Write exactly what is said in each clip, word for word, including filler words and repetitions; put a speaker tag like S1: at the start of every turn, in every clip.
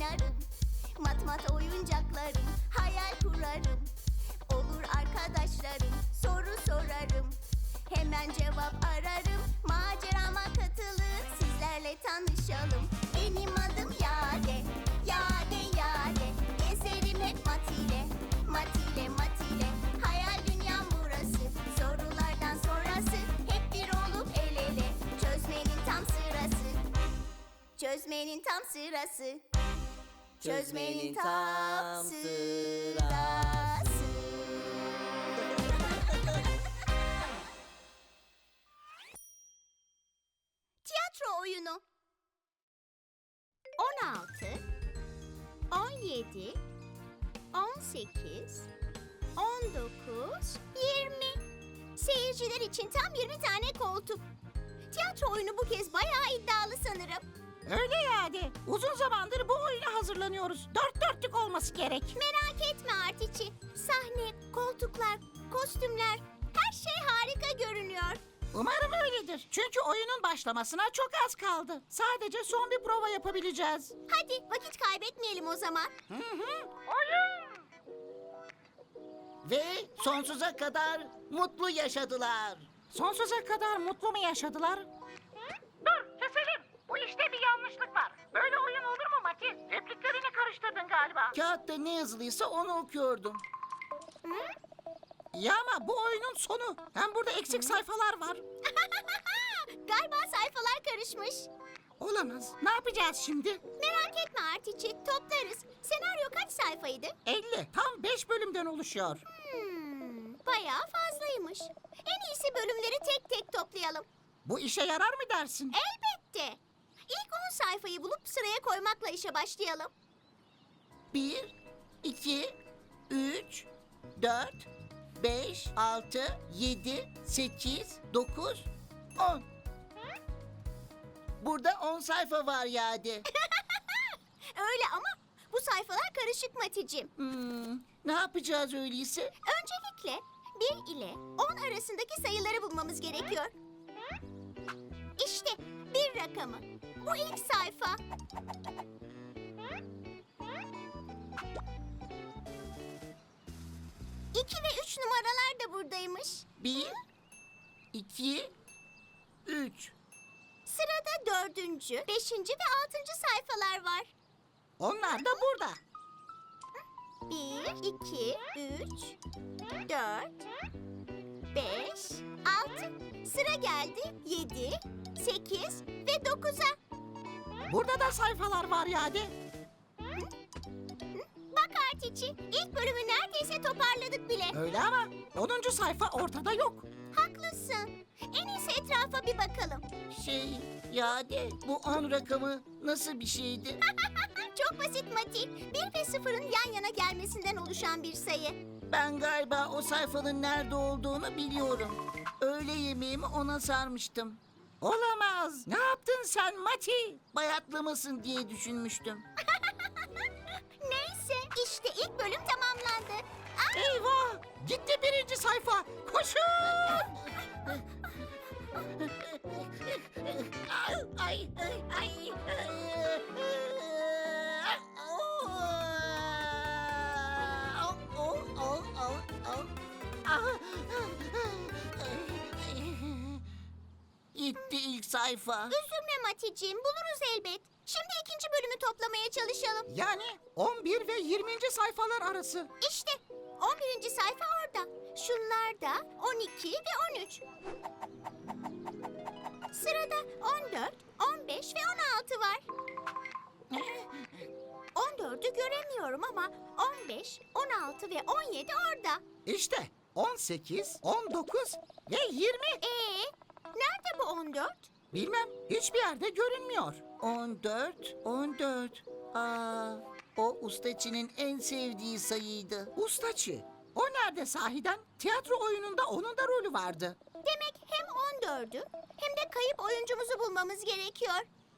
S1: oynarım. Mat mat oyuncaklarım, hayal kurarım. Olur arkadaşlarım, soru sorarım. Hemen cevap ararım, macerama katılın, sizlerle tanışalım. Benim adım Yade, Yade Yade. Gezerim hep Mat ile, Mat ile Mat ile. Hayal dünyam burası, sorulardan sonrası. Hep bir olup el ele, çözmenin tam sırası. Çözmenin tam sırası. Çözmenin tam sırası. Tiyatro oyunu. on altı, on yedi, on sekiz, on dokuz, yirmi. Seyirciler için tam yirmi tane koltuk. Tiyatro oyunu bu kez bayağı iddialı sanırım.
S2: Öyle yani. Uzun zamandır bu oyuna hazırlanıyoruz. Dört dörtlük olması gerek.
S1: Merak etme Artiçi. Sahne, koltuklar, kostümler, her şey harika görünüyor.
S2: Umarım öyledir. Çünkü oyunun başlamasına çok az kaldı. Sadece son bir prova yapabileceğiz.
S1: Hadi vakit kaybetmeyelim o zaman.
S2: Hı hı. Oyun!
S3: Ve sonsuza kadar mutlu yaşadılar.
S2: Sonsuza kadar mutlu mu yaşadılar? Dur, keselim. Bu işte bir yanlışlık var. Böyle oyun olur mu Mati? Repliklerini karıştırdın galiba.
S3: Kağıtta ne yazılıysa onu okuyordum.
S2: Ya ama bu oyunun sonu. Hem burada eksik sayfalar var.
S1: Galiba sayfalar karışmış.
S2: Olamaz. Ne yapacağız şimdi?
S1: Merak etme Artiçi, toplarız. Senaryo kaç sayfaydı?
S2: elli. Tam beş bölümden oluşuyor.
S1: Hmm, bayağı fazlaymış. En iyisi bölümleri tek tek toplayalım.
S2: Bu işe yarar mı dersin?
S1: Elbette. İlk on sayfayı bulup sıraya koymakla işe başlayalım.
S3: Bir, iki, üç, dört, beş, altı, yedi, sekiz, dokuz, on. Burada on sayfa var Yadi.
S1: Öyle ama bu sayfalar karışık Maticim.
S3: Hmm, ne yapacağız öyleyse?
S1: Öncelikle bir ile on arasındaki sayıları bulmamız gerekiyor. İşte bir rakamı. Bu ilk sayfa. İki ve üç numaralar da buradaymış.
S3: Bir, iki, üç.
S1: Sırada dördüncü, beşinci ve altıncı sayfalar var.
S2: Onlar da burada.
S1: Bir, iki, üç, dört, beş, altı. Sıra geldi yedi, sekiz ve dokuza.
S2: Burada da sayfalar var yani.
S1: Bak Artiçi, ilk bölümü neredeyse toparladık bile.
S2: Öyle ama onuncu sayfa ortada yok.
S1: Haklısın. En iyisi etrafa bir bakalım.
S3: Şey, Yadi, bu on rakamı nasıl bir şeydi?
S1: Çok basit Mati. Bir ve sıfırın yan yana gelmesinden oluşan bir sayı.
S3: Ben galiba o sayfanın nerede olduğunu biliyorum. Öğle yemeğimi ona sarmıştım.
S2: Olamaz. Ne yaptın sen Mati?
S3: Bayatlamasın diye düşünmüştüm.
S1: Neyse, işte ilk bölüm tamamlandı. Aa,
S2: Eyvah! Gitti birinci sayfa. Koşun!
S3: Ay, ay, ay, ay. Oh, oh, oh, oh, oh. Ah. Gitti ilk sayfa.
S1: üzülme Mati'ciğim, buluruz elbet. Şimdi ikinci bölümü toplamaya çalışalım.
S2: Yani on bir ve yirminci sayfalar arası.
S1: İşte on birinci sayfa orada. Şunlar da on iki ve on üç. Sırada on dört, on beş ve on altı var. on dördü göremiyorum ama on beş, on altı ve on yedi orada.
S2: İşte on sekiz, on dokuz ve yirmi.
S1: Ee, nerede bu on dört?
S2: Bilmem, hiçbir yerde görünmüyor.
S3: on dört, on dört. Aa, o ustaçının en sevdiği sayıydı.
S2: Ustaçı. O nerede sahiden? Tiyatro oyununda onun da rolü vardı.
S1: Demek hem on dördü hem de kayıp oyuncumuzu bulmamız gerekiyor.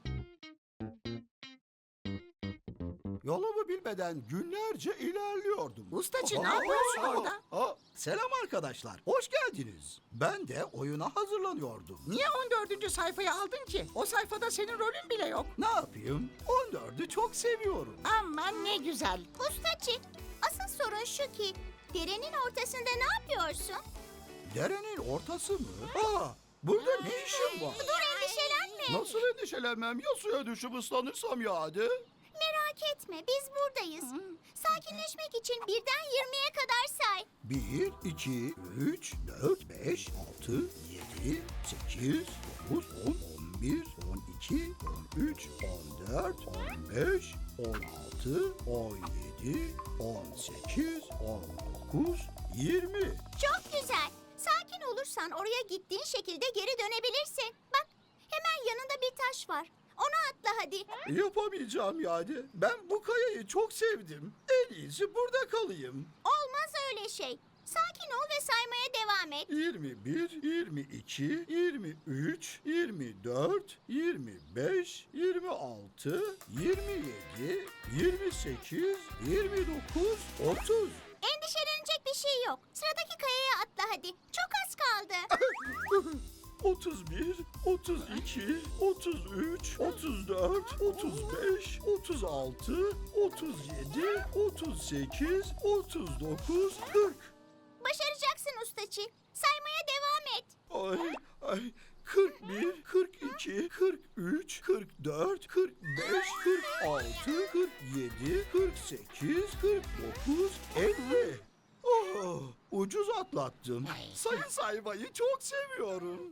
S4: Yolumu bilmeden günlerce ilerliyordum.
S2: Ustaçı, ne
S4: Aa,
S2: yapıyorsun
S4: aa,
S2: orada?
S4: aa, selam arkadaşlar, hoş geldiniz. Ben de oyuna hazırlanıyordum.
S2: Niye on dördüncü sayfayı aldın ki? O sayfada senin rolün bile yok.
S4: Ne yapayım? on dördü kağıdı çok seviyorum.
S3: Aman ne güzel.
S1: Ustaçı, asıl sorun şu ki derenin ortasında ne yapıyorsun?
S4: Derenin ortası mı? Aa, burada ne işin var?
S1: Dur, endişelenme.
S4: Nasıl endişelenmem? Ya suya düşüp ıslanırsam ya hadi?
S1: Merak etme, biz buradayız. Sakinleşmek için birden yirmiye kadar say.
S4: Bir, iki, üç, dört, beş, altı, yedi, sekiz, dokuz, on, on bir, on iki, on üç, on dört, on beş, on altı, on yedi, on sekiz, on dokuz, yirmi.
S1: Çok güzel. Sakin olursan oraya gittiğin şekilde geri dönebilirsin. Bak, hemen yanında bir taş var. Onu atla hadi.
S4: Yapamayacağım yani. Ben bu kayayı çok sevdim. En iyisi burada kalayım.
S1: Olmaz öyle şey. Sakin ol ve saymaya devam et.
S4: yirmi bir, yirmi iki, yirmi üç, yirmi dört, yirmi beş, yirmi altı, yirmi yedi, yirmi sekiz, yirmi dokuz, otuz.
S1: Endişelenecek bir şey yok. Sıradaki kayaya atla hadi. Çok az kaldı.
S4: otuz bir, otuz iki, otuz üç, otuz dört, otuz beş, otuz altı, otuz yedi, otuz sekiz, otuz dokuz, kırk.
S1: Başaracaksın ustaçı. Saymaya devam et.
S4: Ay, ay, kırk bir, kırk iki, kırk üç, kırk dört, kırk beş, kırk altı, kırk yedi, kırk sekiz, kırk dokuz, elli. Oh, ucuz atlattım. Sayı saymayı çok seviyorum.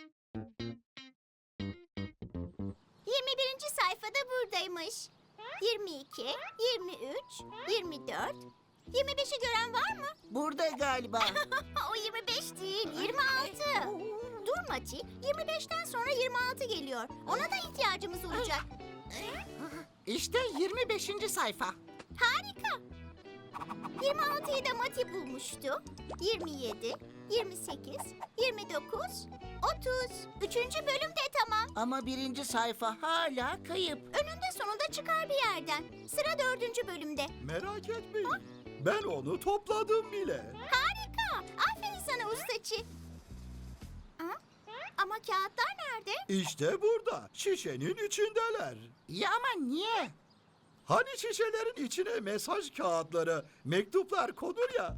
S1: yirmi birinci sayfada buradaymış. yirmi iki, yirmi üç, yirmi dört, yirmi beşi gören var mı?
S3: Burada galiba.
S1: O yirmi beş değil, yirmi altı. Dur Mati, yirmi beşten sonra yirmi altı geliyor. Ona da ihtiyacımız olacak.
S3: İşte yirmi beşinci sayfa.
S1: Harika. yirmi altıyı da Mati bulmuştu. yirmi yedi, yirmi sekiz, yirmi dokuz, otuz. Üçüncü bölüm de tamam.
S3: Ama birinci sayfa hala kayıp.
S1: Önünde sonunda çıkar bir yerden. Sıra dördüncü bölümde.
S4: Merak etmeyin. Ben onu topladım bile.
S1: Harika. Aferin sana ustaçı. Ha? Ama kağıtlar nerede?
S4: İşte burada, şişenin içindeler.
S3: Ya ama niye?
S4: Hani şişelerin içine mesaj kağıtları, mektuplar konur ya.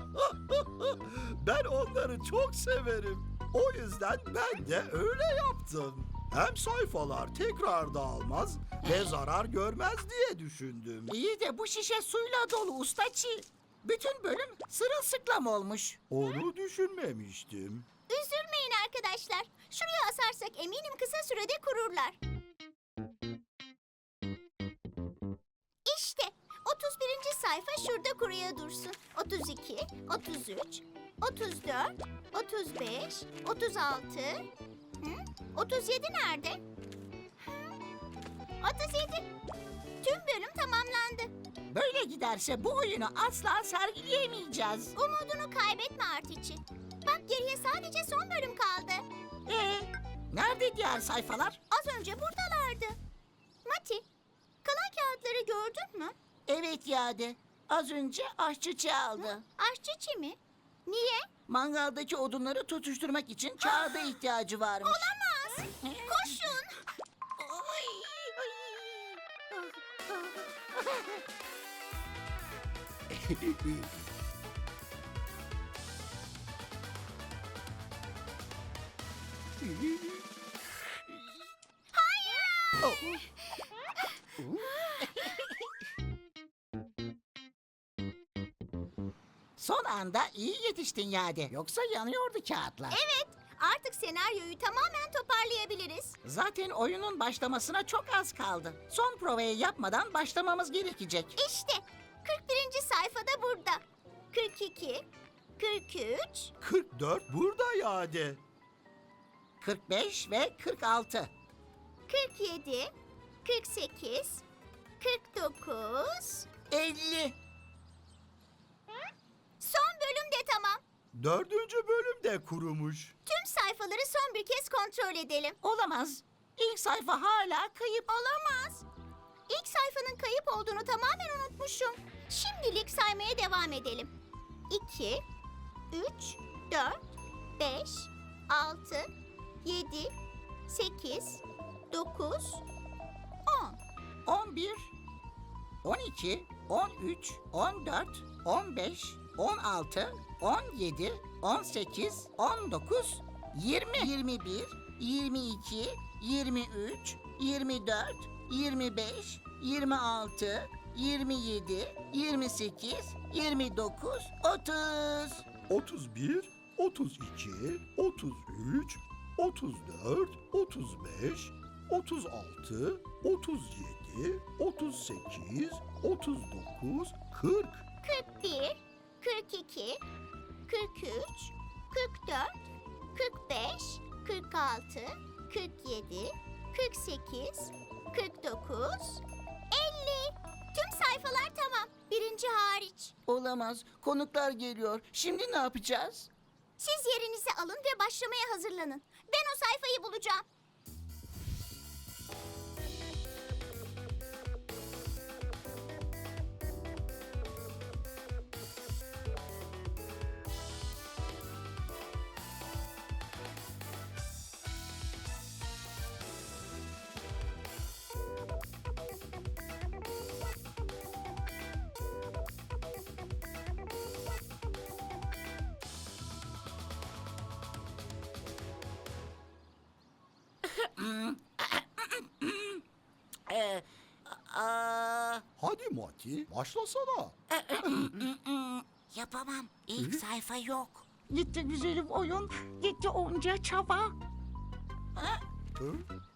S4: Ben onları çok severim. O yüzden ben de öyle yaptım. Hem sayfalar tekrar dağılmaz ve zarar görmez diye düşündüm.
S3: İyi de bu şişe suyla dolu ustaçı. Bütün bölüm sırılsıklam olmuş.
S4: Onu düşünmemiştim.
S1: Üzülmeyin arkadaşlar. Şuraya asarsak eminim kısa sürede kururlar. İşte otuz birinci sayfa şurada kuruya dursun. otuz iki, otuz üç, otuz dört, otuz beş, otuz altı. Hı? otuz yedi nerede? Hı? otuz yedi. Tüm bölüm tamamlandı.
S3: Böyle giderse bu oyunu asla sergileyemeyeceğiz.
S1: Umudunu kaybetme Artiçi. Bak geriye sadece son bölüm kaldı.
S3: Ee, nerede diğer sayfalar?
S1: Az önce buradalardı. Mati, kalan kağıtları gördün mü?
S3: Evet Yade. Az önce aşçı çaldı.
S1: Aşçı mi? Niye?
S3: Mangaldaki odunları tutuşturmak için kağıda ihtiyacı varmış.
S1: Olamaz. Koşun.
S3: Son anda iyi yetiştin Yade. Yoksa yanıyordu kağıtlar.
S1: Evet, artık senaryoyu tamamen toparlayabiliriz.
S3: Zaten oyunun başlamasına çok az kaldı. Son provayı yapmadan başlamamız gerekecek.
S1: İşte kırk birinci sayfada burada. kırk iki, kırk üç,
S4: kırk dört burada Yade.
S3: kırk beş ve kırk altı.
S1: kırk yedi, kırk sekiz, kırk dokuz.
S3: elli.
S1: Son bölüm de tamam.
S4: Dördüncü bölüm de kurumuş.
S1: Tüm sayfaları son bir kez kontrol edelim.
S3: Olamaz. İlk sayfa hala kayıp.
S1: Olamaz. İlk sayfanın kayıp olduğunu tamamen unutmuşum. Şimdilik saymaya devam edelim. iki, üç, dört, beş, altı, yedi, sekiz, dokuz, on.
S3: on on bir, on iki, on üç, on dört, on beş, on altı, on yedi, on sekiz, on dokuz, yirmi. yirmi bir, yirmi iki, yirmi üç, yirmi dört, yirmi beş, yirmi altı, yirmi yedi, yirmi sekiz, yirmi dokuz, otuz.
S4: otuz bir, otuz iki, otuz üç, otuz dört, otuz beş, otuz altı, otuz yedi, otuz sekiz, otuz dokuz, kırk.
S1: kırk bir, kırk iki, kırk üç, kırk dört, kırk beş, kırk altı, kırk yedi, kırk sekiz, kırk dokuz, elli. Tüm sayfalar tamam. Birinci hariç.
S3: Olamaz. Konuklar geliyor. Şimdi ne yapacağız?
S1: Siz yerinizi alın ve başlamaya hazırlanın. Ben o sayfayı bulacağım.
S3: Ee, aa,
S4: Hadi Mati, başlasana.
S3: yapamam. İlk sayfa yok.
S2: Gitti güzelim oyun. Gitti onca çaba.
S4: Hı?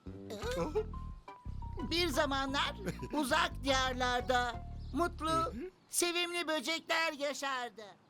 S3: Bir zamanlar uzak diyarlarda mutlu, sevimli böcekler yaşardı.